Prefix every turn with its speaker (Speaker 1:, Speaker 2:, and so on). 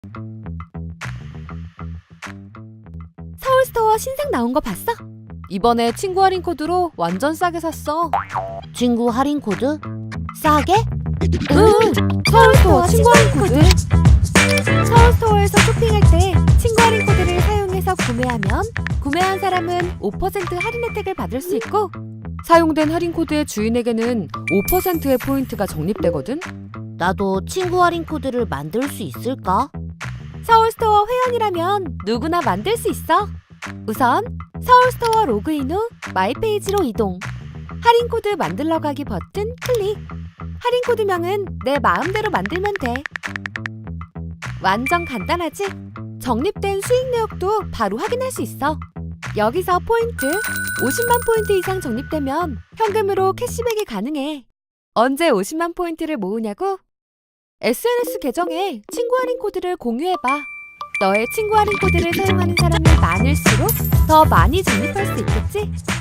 Speaker 1: 서울스토어 신상 나온 거 봤어? 이번에 친구 할인 코드로 완전 싸게 샀어.
Speaker 2: 친구 할인 코드? 싸게?
Speaker 1: 응, 서울스토어 친구 할인 코드. 서울스토어에서 쇼핑할 때 친구 할인 코드를 사용해서 구매하면 구매한 사람은 5% 할인 혜택을 받을 수 있고, 사용된 할인 코드의 주인에게는 5%의 포인트가 적립되거든.
Speaker 2: 나도 친구 할인 코드를 만들 수 있을까?
Speaker 1: 서울스토어 회원이라면 누구나 만들 수 있어. 우선 서울스토어 로그인 후 마이 페이지로 이동. 할인 코드 만들러 가기 버튼 클릭. 할인 코드명은 내 마음대로 만들면 돼. 완전 간단하지? 적립된 수익 내역도 바로 확인할 수 있어. 여기서 포인트, 50만 포인트 이상 적립되면 현금으로 캐시백이 가능해. 언제 50만 포인트를 모으냐고? SNS 계정에 친구 할인 코드를 공유해봐. 너의 친구 할인 코드를 사용하는 사람이 많을수록 더 많이 적립할 수 있겠지?